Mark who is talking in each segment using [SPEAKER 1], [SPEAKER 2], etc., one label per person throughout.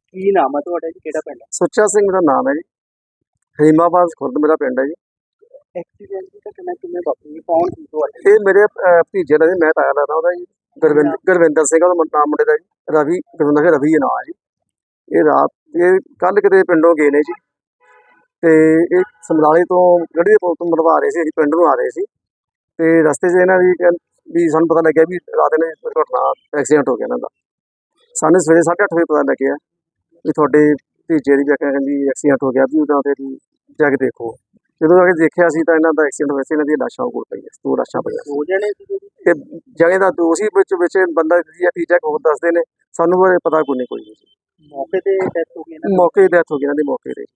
[SPEAKER 1] ਕੀ ਨਾਮ ਹੈ ਤੁਹਾਡਾ ਜੀ? ਕਿਹੜਾ ਪਿੰਡ ਹੈ?
[SPEAKER 2] ਸੁੱਚਾ ਸਿੰਘ ਮੇਰਾ ਨਾਮ ਹੈ ਜੀ। ਹਰੀਮਾਬਾਦ ਖੁਰਦ ਮੇਰਾ ਪਿੰਡ ਹੈ ਜੀ।
[SPEAKER 1] ਐਕਸੀਡੈਂਟ ਦੀ ਘਟਨਾ ਕਿਵੇਂ ਵਾਪਰੀ? ਕੌਣ ਸੀ ਤੁਹਾਡੇ?
[SPEAKER 2] ਇਹ ਮੇਰੇ ਭਤੀਜੇ ਦਾ ਜੀ, ਮੈਂ ਤਾਇਆ ਲੱਗਦਾ ਉਹਦਾ ਜੀ। ਗੁਰਵਿੰਦਰ ਸਿੰਘ ਉਹਦਾ ਨਾਮ ਮੁੰਡੇ ਦਾ ਜੀ। ਰਵੀ ਗੁਰਵਿੰਦਰ ਸਿੰਘ ਰਵੀ ਹੈ ਨਾਂ ਹੈ ਜੀ। ਇਹ ਕੱਲ ਕਿਤੇ ਪਿੰਡੋਂ ਗਏ ਨੇ ਜੀ, ਤੇ ਇਹ ਸਮਰਾਲੇ ਤੋਂ ਗੜੀ ਦੇ ਪੁਲ ਤੋਂ ਮਰਵਾ ਰਹੇ ਸੀ, ਅਸੀਂ ਪਿੰਡ ਨੂੰ ਆ ਰਹੇ ਸੀ। ਤੇ ਰਸਤੇ 'ਚ ਇਹਨਾਂ ਵੀ ਸਾਨੂੰ ਪਤਾ ਲੱਗਿਆ ਵੀ ਰਾਤ ਨੇ ਘਟਨਾ ਐਕਸੀਡੈਂਟ ਹੋ ਗਿਆ ਇਹਨਾਂ ਦਾ। ਸਾਨੂੰ ਸਵੇਰੇ 8:30 ਵਜੇ ਪਤਾ ਲੱਗਿਆ ਵੀ ਤੁਹਾਡੇ ਭਤੀਜੇ ਦੀ ਕਹਿੰਦੀ ਐਕਸੀਡੈਂਟ ਹੋ ਗਿਆ, ਵੀ ਉਹਦਾ ਤੇ ਜਾ ਕੇ ਦੇਖੋ। ਜਦੋਂ ਆ ਕੇ ਦੇਖਿਆ ਸੀ ਤਾਂ ਇਹਨਾਂ ਦਾ ਐਕਸੀਡੈਂਟ ਹੋਇਆ ਸੀ। ਇਹਨਾਂ ਦੀਆਂ ਲਾਸ਼ਾਂ ਕੋਲ ਪਈਆਂ, 2 ਲਾਸ਼ਾਂ ਪਈਆਂ।
[SPEAKER 1] 2 ਜਣੇ ਸੀ?
[SPEAKER 2] ਤੇ ਜਣੇ ਦਾ ਦੋਸ਼ੀ ਵਿੱਚ ਬੰਦਾ ਤੀਜਾ ਹੋਰ ਦੱਸਦੇ ਨੇ, ਸਾਨੂੰ ਬਾਰੇ ਪਤਾ ਕੋਈ ਨਹੀਂ।
[SPEAKER 1] ਮੌਕੇ ਤੇ ਡੈਥ ਹੋ ਗਈ ਇਹਨਾਂ ਦੀ?
[SPEAKER 2] ਮੌਕੇ ਦੀ ਡੈਥ ਹੋ ਗਈ ਇਹਨਾਂ ਦੀ, ਮੌਕੇ ਤੇ।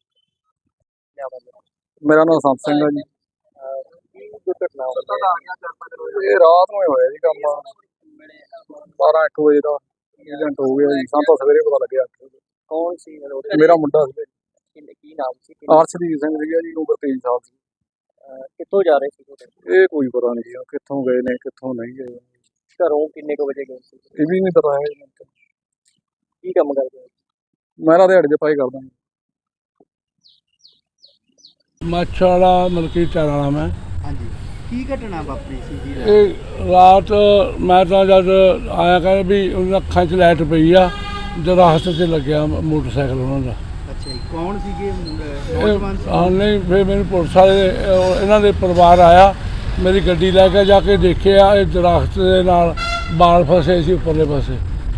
[SPEAKER 2] ਮੇਰਾ ਨਾਮ ਸੰਤ ਸਿੰਘ ਹੈ ਜੀ।
[SPEAKER 1] ਕੀ ਦੁਰਘਟਨਾ ਹੋਈ?
[SPEAKER 2] ਇਹ ਰਾਤ ਨੂੰ ਹੋਇਆ ਜੀ ਕੰਮ, 12-1 ਵਜੇ ਦਾ ਐਕਸੀਡੈਂਟ ਹੋ ਗਿਆ ਜੀ। ਸਾਨੂੰ ਤਾਂ ਸਵੇਰੇ ਪਤਾ ਲੱਗਿਆ।
[SPEAKER 1] ਕੌਣ ਸੀ?
[SPEAKER 2] ਮੇਰਾ ਮੁੰਡਾ ਸੀ,
[SPEAKER 1] ਕੀ ਨਾਮ ਸੀ?
[SPEAKER 2] ਅਰਸ਼ਦੀਪ ਸਿੰਘ ਸੀਗਾ ਜੀ, ਉਮਰ 23 ਸਾਲ ਸੀ।
[SPEAKER 1] ਕਿੱਥੋਂ ਜਾ ਰਹੇ ਸੀ ਤੁਹਾਡੇ?
[SPEAKER 2] ਇਹ ਕੋਈ ਪਤਾ ਨਹੀਂ ਜੀ ਕਿੱਥੋਂ ਗਏ ਨੇ ਕਿੱਥੋਂ ਨਹੀਂ ਗਏ।
[SPEAKER 1] ਘਰੋਂ ਕਿੰਨੇ ਕੁ ਵਜੇ ਗਏ ਸੀ?
[SPEAKER 2] ਇਹ ਵੀ ਨਹੀਂ ਪਤਾ ਹੈ।
[SPEAKER 1] ਕੀ ਕੰਮ ਕਰਦੇ ਹੋ?
[SPEAKER 2] ਮੈਂ ਤਾਂ ਦਿਹਾੜੀ ਦੇ ਪਾਈ ਕਰਦਾ।
[SPEAKER 3] ਮੱਛਵਾੜਾ ਮਲਕੀ ਚਾਰਾਂ ਵਾਲਾ ਮੈਂ।
[SPEAKER 1] ਹਾਂਜੀ, ਕੀ ਘਟਨਾ ਵਾਪਰੀ ਸੀ ਜੀ?
[SPEAKER 3] ਇਹ ਰਾਤ ਮੈਂ ਤਾਂ ਜਦ ਆਇਆ ਕਹਿੰਦੇ ਵੀ ਉਹਨਾਂ ਅੱਖਾਂ 'ਚ ਲਾਈਟ ਪਈ ਆ, ਦਰਖਤ 'ਤੇ ਲੱਗਿਆ ਮੋਟਰਸਾਈਕਲ ਉਹਨਾਂ ਦਾ।
[SPEAKER 1] ਅੱਛਾ ਜੀ, ਕੌਣ ਸੀਗੇ? ਨੌਜਵਾਨ ਸੀ?
[SPEAKER 3] ਹਾਂ ਨਹੀਂ, ਫਿਰ ਮੈਨੂੰ ਪੁਲਿਸ ਵਾਲੇ ਇਹਨਾਂ ਦੇ ਪਰਿਵਾਰ ਆਇਆ, ਮੇਰੀ ਗੱਡੀ ਲੈ ਕੇ ਜਾ ਕੇ ਦੇਖਿਆ, ਇਹ ਦਰਖਤ ਦੇ ਨਾਲ ਬਾਲ ਫਸੇ ਸੀ ਉੱਪਰਲੇ ਪਾਸੇ।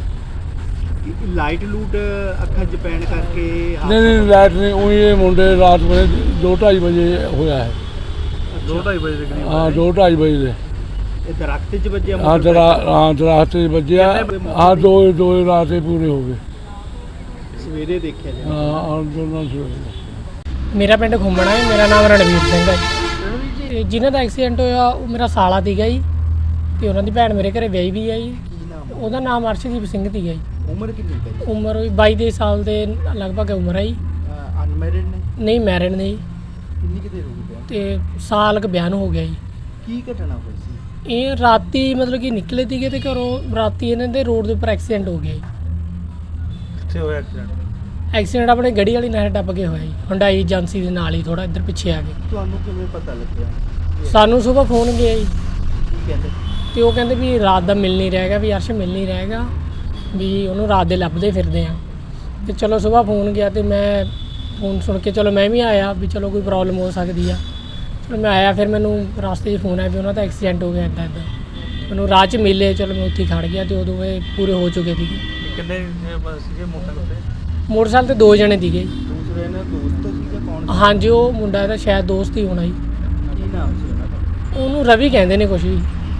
[SPEAKER 1] ਲਾਈਟ ਲੂਟ ਅੱਖਾਂ 'ਚ ਪੈਣ ਕਰਕੇ?
[SPEAKER 3] ਨਹੀਂ ਲਾਈਟ ਨਹੀਂ, ਉਹੀ ਇਹ ਮੁੰਡੇ ਰਾਤ ਵੇਲੇ 2-2:30 ਵਜੇ ਹੋਇਆ ਹੈ।
[SPEAKER 1] 2-2:30 ਵਜੇ ਦੇ ਕਰੀਬ?
[SPEAKER 3] ਹਾਂ 2-2:30 ਵਜੇ ਦੇ।
[SPEAKER 1] ਇਹ ਦਰਖਤ 'ਚ ਵੱਜਿਆ?
[SPEAKER 3] ਹਾਂ ਦਰਖਤ 'ਚ ਵੱਜਿਆ। ਹਾਂ ਦੋ ਰਾਤੇ ਪੂਰੇ ਹੋ ਗਏ।
[SPEAKER 1] ਸਵੇਰੇ ਦੇਖਿਆ ਜੀ?
[SPEAKER 3] ਹਾਂ ਦੋਨਾਂ ਸਵੇਰੇ।
[SPEAKER 4] ਮੇਰਾ ਪਿੰਡ ਘੁੰਮਣਾ ਹੈ। ਮੇਰਾ ਨਾਮ ਰਣਵੀਰ ਸਿੰਘ ਹੈ ਜੀ। ਜਿਨ੍ਹਾਂ ਦਾ ਐਕਸੀਡੈਂਟ ਹੋਇਆ ਉਹ ਮੇਰਾ ਸਾਲਾ ਸੀਗਾ ਜੀ, ਤੇ ਉਹਨਾਂ ਦੀ ਭੈਣ ਮੇਰੇ ਘਰੇ ਵਿਆਹੀ ਵੀ ਹੈ ਜੀ।
[SPEAKER 1] ਕੀ ਨਾਮ?
[SPEAKER 4] ਉਹਦਾ ਨਾਮ ਅਰਸ਼ਦੀਪ ਸਿੰਘ ਸੀਗਾ ਜੀ।
[SPEAKER 1] ਉਮਰ ਕਿੰਨੀ ਹੈ ਜੀ?
[SPEAKER 4] ਉਮਰ ਵੀ 22 ਸਾਲ ਦੇ ਲਗਭਗ ਉਮਰ ਹੈ ਜੀ।
[SPEAKER 1] ਅਨਮੈਰਿਡ ਨੇ?
[SPEAKER 4] ਨਹੀਂ ਮੈਰਿਡ ਨੇ ਜੀ,
[SPEAKER 1] ਕਿੰਨੀ ਕੁ ਦੇਰ ਹੋ ਗਈ ਵਿਆਹ?
[SPEAKER 4] ਤੇ ਸਾਲ ਕੁ ਬਿਆਨ ਹੋ ਗਿਆ ਜੀ।
[SPEAKER 1] ਕੀ ਘਟਨਾ ਹੋਈ ਸੀ?
[SPEAKER 4] ਇਹ ਰਾਤੀ ਮਤਲਬ ਕਿ ਨਿਕਲੇ ਸੀਗੇ ਤੇ ਘਰੋਂ ਰਾਤੀ ਇਹਨਾਂ ਦੇ ਰੋਡ ਦੇ ਉੱਪਰ ਐਕਸੀਡੈਂਟ ਹੋ ਗਿਆ ਜੀ।
[SPEAKER 1] ਕਿੱਥੇ ਹੋਇਆ ਐਕਸੀਡੈਂਟ?
[SPEAKER 4] ਐਕਸੀਡੈਂਟ ਆਪਣੇ ਗੜੀ ਵਾਲੀ ਨਹਿਰ ਟੱਪ ਕੇ ਹੋਇਆ ਜੀ, ਹੁੰਡਾਈ ਏਜੰਸੀ ਦੇ ਨਾਲ ਹੀ ਥੋੜਾ ਇੱਧਰ ਪਿੱਛੇ ਆ ਕੇ।
[SPEAKER 1] ਤੁਹਾਨੂੰ ਕਿਵੇਂ ਪਤਾ ਲੱਗਿਆ?
[SPEAKER 4] ਸਾਨੂੰ ਸਵੇਰ ਫੋਨ ਗਿਆ ਜੀ,
[SPEAKER 1] ਕੀ ਕਹਿੰਦੇ?
[SPEAKER 4] ਤੇ ਉਹ ਕਹਿੰਦੇ ਵੀ ਰਾਤ ਦਾ ਮਿਲ ਨਹੀਂ ਰਹੇਗਾ, ਵੀ ਅਰਸ਼ ਮਿਲ ਨਹੀਂ ਰਹੇਗਾ, ਵੀ ਉਹਨੂੰ ਰਾਤ ਦੇ ਲੱਭਦੇ ਫਿਰਦੇ ਆ। ਤੇ ਚਲੋ ਸਵੇਰ ਫੋਨ ਗਿਆ ਤੇ ਮੈਂ ਫੋਨ ਸੁਣ ਕੇ ਚਲੋ ਮੈਂ ਵੀ ਆਇਆ ਵੀ ਚਲੋ ਕੋਈ ਪ੍ਰੋਬਲਮ ਹੋ ਸਕਦੀ ਆ। ਚਲੋ ਮੈਂ ਆਇਆ, ਫਿਰ ਮੈਨੂੰ ਰਸਤੇ 'ਚ ਫੋਨ ਆਇਆ ਵੀ ਉਹਨਾਂ ਦਾ ਐਕਸੀਡੈਂਟ ਹੋ ਗਿਆ ਇੱਦਾਂ। ਮੈਨੂੰ ਰਾਹ 'ਚ ਮਿਲੇ, ਚਲੋ ਮੈਂ ਉੱਥੇ ਖੜ੍ਹ ਗਿਆ ਤੇ ਉਦੋਂ ਇਹ ਪੂਰੇ ਹੋ ਚੁੱਕੇ ਸੀਗੇ।
[SPEAKER 1] ਕਿੰਨੇ ਸੀਗੇ ਮੋਟਰਸਾਈਕਲ ਤੇ?
[SPEAKER 4] ਮੋਟਰਸਾਈਕਲ ਤੇ 2 ਜਣੇ ਸੀਗੇ।
[SPEAKER 1] ਦੂਸਰੇ ਨੇ ਦੋਸਤ ਸੀਗਾ? ਕੌਣ?
[SPEAKER 4] ਹਾਂਜੀ ਉਹ ਮੁੰਡਾ ਇਹਦਾ ਸ਼ਾਇਦ ਦੋਸਤ ਹੀ ਹੋਣਾ ਜੀ।
[SPEAKER 1] ਕੀ ਨਾਮ ਸੀ ਉਹਨਾਂ ਦਾ?
[SPEAKER 4] ਉਹਨੂੰ ਰਵੀ ਕਹਿੰਦੇ ਨੇ ਕੁਛ ਵੀ।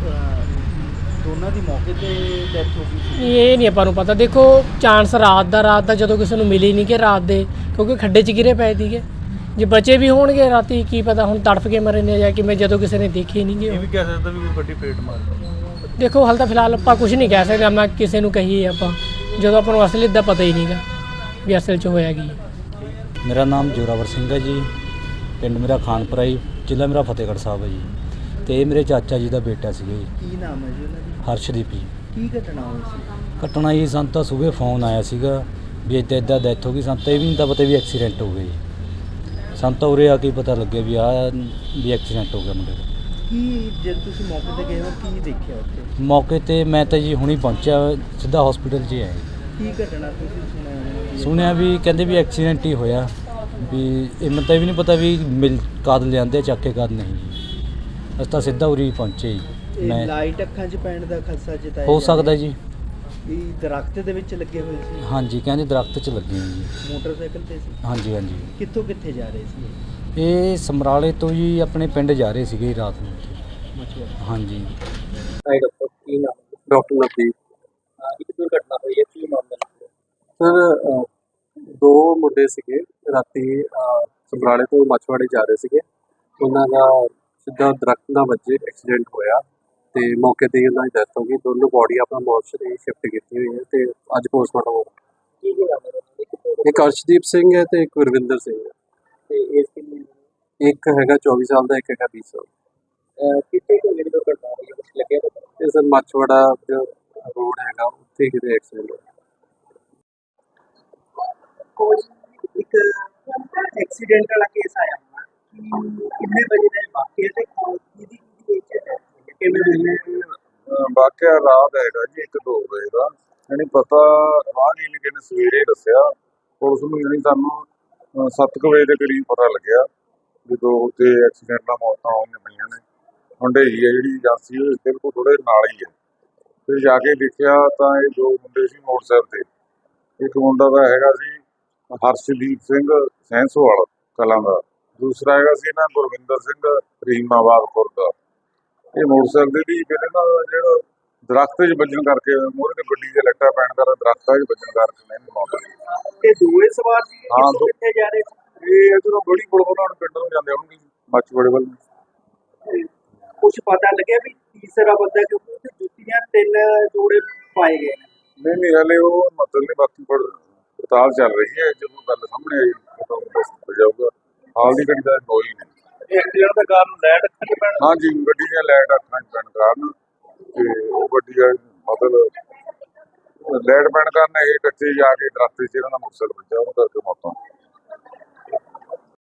[SPEAKER 1] ਦੋਨਾਂ ਦੀ ਮੌਕੇ ਤੇ ਡੈਥ ਹੋ ਗਈ ਸੀ?
[SPEAKER 4] ਇਹ ਨਹੀਂ ਆਪਾਂ ਨੂੰ ਪਤਾ। ਦੇਖੋ ਚਾਂਸ ਰਾਤ ਦਾ ਜਦੋਂ ਕਿਸੇ ਨੂੰ ਮਿਲੀ ਨਹੀਂ ਕਿ ਰਾਤ ਦੇ, ਕਿਉਂਕਿ ਖੱਡੇ 'ਚ ਗਿਰੇ ਪਏ ਸੀਗੇ। ਜੇ ਬਚੇ ਵੀ ਹੋਣਗੇ ਰਾਤੀ ਕੀ ਪਤਾ ਹੁਣ ਤੜਫ ਕੇ ਮਰੇ ਨੇ ਜਾਂ ਕਿਵੇਂ, ਜਦੋਂ ਕਿਸੇ ਨੇ ਦੇਖੇ ਨਹੀਂ ਗੇ।
[SPEAKER 1] ਇਹ ਵੀ ਕਹਿ ਸਕਦਾ ਵੀ ਕੋਈ ਵੱਡੀ ਪੇਟ ਮਾਰ।
[SPEAKER 4] ਦੇਖੋ ਹਾਲ ਤਾਂ ਫਿਲਹਾਲ ਆਪਾਂ ਕੁਝ ਨਹੀਂ ਕਹਿ ਸਕਦੇ, ਮੈਂ ਕਿਸੇ ਨੂੰ ਕਹੀਏ ਆਪਾਂ, ਜਦੋਂ ਆਪਾਂ ਨੂੰ ਅਸਲੀ ਦਾ ਪਤਾ ਹੀ ਨਹੀਂਗਾ ਵੀ ਅਸਲ 'ਚ ਹੋਇਆ ਕੀ।
[SPEAKER 5] ਮੇਰਾ ਨਾਮ ਜੋਰਾਵਰ ਸਿੰਘ ਹੈ ਜੀ। ਪਿੰਡ ਮੇਰਾ ਖਾਨਪੁਰਾ ਜੀ, ਜ਼ਿਲ੍ਹਾ ਮੇਰਾ ਫਤਿਹਗੜ੍ਹ ਸਾਹਿਬ ਹੈ ਜੀ। ਤੇ ਇਹ ਮੇਰੇ ਚਾਚਾ ਜੀ ਦਾ ਬੇਟਾ ਸੀਗਾ ਜੀ।
[SPEAKER 1] ਕੀ ਨਾਮ ਹੈ ਜੀ ਉਹਨਾਂ ਦੀ?
[SPEAKER 5] ਹਰਸ਼ਦੀਪ ਜੀ।
[SPEAKER 1] ਕੀ ਘਟਨਾ ਹੋਈ ਸੀ?
[SPEAKER 5] ਘਟਨਾ ਜੀ ਸਾਨੂੰ ਤਾਂ ਸਵੇਰੇ ਫੋਨ ਆਇਆ ਸੀਗਾ ਵੀ ਇੱਦਾਂ ਡੈਥ ਹੋ ਗਈ। ਸਾਨੂੰ ਤਾਂ ਇਹ ਵੀ ਨਹੀਂ ਤਾਂ ਪਤਾ ਵੀ ਐਕਸੀਡੈਂਟ ਹੋ ਗਿਆ ਜੀ। ਸਾਨੂੰ ਤਾਂ ਉਰੇ ਆ ਕੇ ਪਤਾ ਲੱਗਿਆ ਵੀ ਵੀ ਐਕਸੀਡੈਂਟ ਹੋ ਗਿਆ ਮੁੰਡੇ ਦਾ।
[SPEAKER 1] ਕੀ ਜਦ ਤੁਸੀਂ ਮੌਕੇ ਤੇ ਗਏ ਹੋ ਕੀ ਦੇਖਿਆ ਉੱਥੇ?
[SPEAKER 5] ਮੌਕੇ ਤੇ ਮੈਂ ਤਾਂ ਜੀ ਹੁਣੀ ਪਹੁੰਚਿਆ, ਸਿੱਧਾ ਹਸਪੀਟਲ 'ਚ ਆਇਆ ਜੀ।
[SPEAKER 1] ਕੀ ਘਟਨਾ ਤੁਸੀਂ
[SPEAKER 5] ਸੁਣਿਆ ਵੀ ਕਹਿੰਦੇ ਵੀ ਐਕਸੀਡੈਂਟ ਹੀ ਹੋਇਆ, ਵੀ ਇਹ ਮੈਨੂੰ ਤਾਂ ਇਹ ਵੀ ਨਹੀਂ ਪਤਾ ਵੀ ਕਦ ਲਿਆਂਦੇ ਚੱਕ ਕੇ ਕਦ ਨਹੀਂ ਜੀ। ਅਸੀਂ ਤਾਂ ਸਿੱਧਾ ਉਰੀ ਪਹੁੰਚੇ ਜੀ।
[SPEAKER 1] ਮੈਂ ਲਾਈਟ ਅੱਖਾਂ 'ਚ ਪੈਣ ਦਾ ਖਦਸ਼ਾ ਜਤਾਇਆ
[SPEAKER 5] ਹੋ ਸਕਦਾ ਜੀ।
[SPEAKER 1] ਇਹ ਦਰਖਤ ਦੇ ਵਿੱਚ ਲੱਗੇ ਹੋਏ ਸੀ?
[SPEAKER 5] ਹਾਂਜੀ ਕਹਿੰਦੇ ਦਰਖਤ 'ਚ ਲੱਗੇ ਹੋਏ ਜੀ।
[SPEAKER 1] ਮੋਟਰਸਾਈਕਲ ਤੇ ਸੀ?
[SPEAKER 5] ਹਾਂਜੀ ਹਾਂਜੀ।
[SPEAKER 1] ਕਿੱਥੋਂ ਕਿੱਥੇ ਜਾ ਰਹੇ ਸੀ?
[SPEAKER 5] ਇਹ ਸਮਰਾਲੇ ਤੋਂ ਜੀ ਆਪਣੇ ਪਿੰਡ ਜਾ ਰਹੇ ਸੀਗੇ ਰਾਤ ਨੂੰ।
[SPEAKER 1] ਮਛੁਆਰਾ?
[SPEAKER 5] ਹਾਂਜੀ।
[SPEAKER 1] ਡਾਕਟਰ ਕੀ ਨਾਮ?
[SPEAKER 2] ਡਾਕਟਰ ਨਵਦੀਪ।
[SPEAKER 1] ਇੱਕ ਦੁਰਘਟਨਾ ਹੋਈ ਹੈ, ਕੀ ਮਾਮਲਾ?
[SPEAKER 2] ਸਰ 2 ਮੁੰਡੇ ਸੀਗੇ, ਰਾਤੀ ਸਮਰਾਲੇ ਤੋਂ ਮੱਛਵਾੜੇ ਜਾ ਰਹੇ ਸੀਗੇ। ਉਹਨਾਂ ਦਾ ਸਿੱਧਾ ਦਰਖਤ ਨਾਲ ਵੱਜੇ ਐਕਸੀਡੈਂਟ ਹੋਇਆ ਤੇ ਮੌਕੇ ਤੇ ਉਹਨਾਂ ਦੀ ਡੈਥ ਹੋ ਗਈ। ਦੋਨੋਂ ਬੋਡੀ ਆਪਣਾ ਮੋਰਚਰੀ ਸ਼ਿਫਟ ਕੀਤੀ ਹੋਈ ਹੈ ਤੇ ਅੱਜ ਪੋਸਟਮਾਰਟਮ ਹੋਊਗਾ।
[SPEAKER 1] ਕੀ ਨਾਮ ਹੈ?
[SPEAKER 2] ਇੱਕ ਅਰਸ਼ਦੀਪ ਸਿੰਘ ਹੈ ਤੇ ਇੱਕ ਗੁਰਵਿੰਦਰ ਸਿੰਘ ਹੈ।
[SPEAKER 1] ਤੇ ਇਸ ਕਿੰਨੀ?
[SPEAKER 2] ਇੱਕ ਹੈਗਾ 24 ਸਾਲ ਦਾ, ਇੱਕ ਹੈਗਾ 20 ਸਾਲ।
[SPEAKER 1] ਕਿੱਥੇ ਕੋਈ ਜਿਹੜੀ ਦੁਰਘਟਨਾ ਹੋਈ ਹੈ, ਕੁਛ ਲੱਗਿਆ ਪਤਾ?
[SPEAKER 2] ਤੇ ਸਰ ਮੱਛਵਾੜਾ ਜੋ ਰੋਡ ਹੈਗਾ ਉੱਥੇ ਕਿਤੇ ਐਕਸੀਡੈਂਟ ਹੋਇਆ।
[SPEAKER 1] ਕੋਈ ਇੱਕ ਐਕਸੀਡੈਂਟ ਵਾਲਾ ਕੇਸ ਆਇਆ ਹੋਣਾ ਕਿ ਕਿੰਨੇ ਵਜੇ ਦਾ ਇਹ ਵਾਕਿਆ ਤੇ ਕਿਹਦੀ ਏਜ ਹੈ ਕਿਵੇਂ
[SPEAKER 6] ਵਾਕਿਆ ਰਾਤ ਹੈਗਾ ਜੀ 1-2 ਵਜੇ ਦਾ। ਯਾਨੀ ਪਤਾ ਰਾਹਗੀਰ ਨੇ ਕਿਨੇ ਸਵੇਰੇ ਦੱਸਿਆ, ਪੁਲਿਸ ਨੂੰ ਯਾਨੀ ਸਾਨੂੰ 7 ਵਜੇ ਦੇ ਕਰੀਬ ਪਤਾ ਲੱਗਿਆ ਜਦੋਂ ਉੱਥੇ ਐਕਸੀਡੈਂਟ ਨਾਲ ਮੌਤਾਂ ਹੋਈਆਂ ਪਈਆਂ ਨੇ। ਹੁੰਡਈ ਹੈ ਜਿਹੜੀ ਏਜੰਸੀ ਉਹ ਬਿਲਕੁਲ ਥੋੜੇ ਨਾਲ ਹੀ ਹੈ। ਫਿਰ ਜਾ ਕੇ ਦੇਖਿਆ ਤਾਂ ਇਹ 2 ਮੁੰਡੇ ਸੀ ਮੋਟਰਸਾਈਕਲ ਤੇ। ਇੱਕ ਮੁੰਡਾ ਦਾ ਹੈਗਾ ਸੀ ਹਰਸ਼ਦੀਪ ਸਿੰਘ ਸੈਂਸੋਵਾਲ ਕਲਾਂ ਦਾ, ਦੂਸਰਾ ਹੈਗਾ ਸੀ ਨਾ ਗੁਰਵਿੰਦਰ ਸਿੰਘ ਰੀਮਾਬਾਦ ਖੁਰਦ ਦਾ। ਇਹ ਮੋਟਰਸਾਈਕਲ ਦੀ ਫਿਰ ਇਹਨਾਂ ਦਾ ਜਿਹੜਾ ਦਰਖਤ 'ਚ ਵੱਜਣ ਕਰਕੇ ਮੂਹਰੇ ਤੇ ਗੱਡੀ ਦੇ ਲੱਟਾ ਪੈਣ ਕਰਕੇ ਦਰਖਤਾਂ 'ਚ ਵੱਜਣ ਕਰਕੇ ਨਹੀਂ ਮੌਤ ਹੋਈ।
[SPEAKER 1] ਤੇ ਦੋਵੇਂ ਸਵਾਰ ਸੀ
[SPEAKER 6] ਹਾਂ,
[SPEAKER 1] ਕਿੱਥੇ ਜਾ ਰਹੇ ਸੀ?
[SPEAKER 6] ਇਹ ਜਦੋਂ ਬੜੀ ਪੁਲ ਉਹਨਾਂ ਨੂੰ ਪਿੰਡ ਨੂੰ ਜਾਂਦੇ ਹੋਣਗੇ ਮੱਛਵਾੜੇ ਵੱਲ ਨੂੰ।
[SPEAKER 1] ਕੁਝ ਪਤਾ ਲੱਗਿਆ ਵੀ ਤੀਸਰਾ ਬੰਦਾ ਕਿਉਂਕਿ ਉਹਦੇ ਜੁੱਤੀਆਂ 3 ਜੋੜੇ ਪਾਏ ਗਏ ਨੇ।
[SPEAKER 6] ਨਹੀਂ ਹਲੇ ਉਹ ਮਤਲਬ ਨਹੀਂ, ਬਾਕੀ ਪੜਤਾਲ ਚੱਲ ਰਹੀ ਹੈ। ਜਦੋਂ ਗੱਲ ਸਾਹਮਣੇ ਆਈ ਤਾਂ ਦੱਸ ਜਾਊਗਾ। ਹਾਲ ਦੀ ਘੜੀ ਦਾ ਕੋਈ ਨਹੀਂ।
[SPEAKER 1] ਐਕਸੀਡੈਂਟ ਦਾ ਕਾਰਨ ਲਾਈਟ ਅੱਖਾਂ 'ਚ ਪੈਣ
[SPEAKER 6] ਹਾਂਜੀ, ਗੱਡੀ ਦੀਆਂ ਲਾਈਟ ਅੱਖਾਂ 'ਚ ਪੈਣ ਕਾਰਨ ਤੇ ਉਹ ਗੱਡੀ ਦਾ ਮਤਲਬ ਲਾਈਟ ਪੈਣ ਕਾਰਨ ਇਹ ਕੱਚੇ ਜਾ ਕੇ ਦਰਖਤ 'ਚ ਇਹਨਾਂ ਦਾ ਮੋਟਰਸਾਈਕਲ ਵੱਜਿਆ, ਉਹਨੂੰ ਕਰਕੇ ਮੌਤ ਹੋ ਗਈ।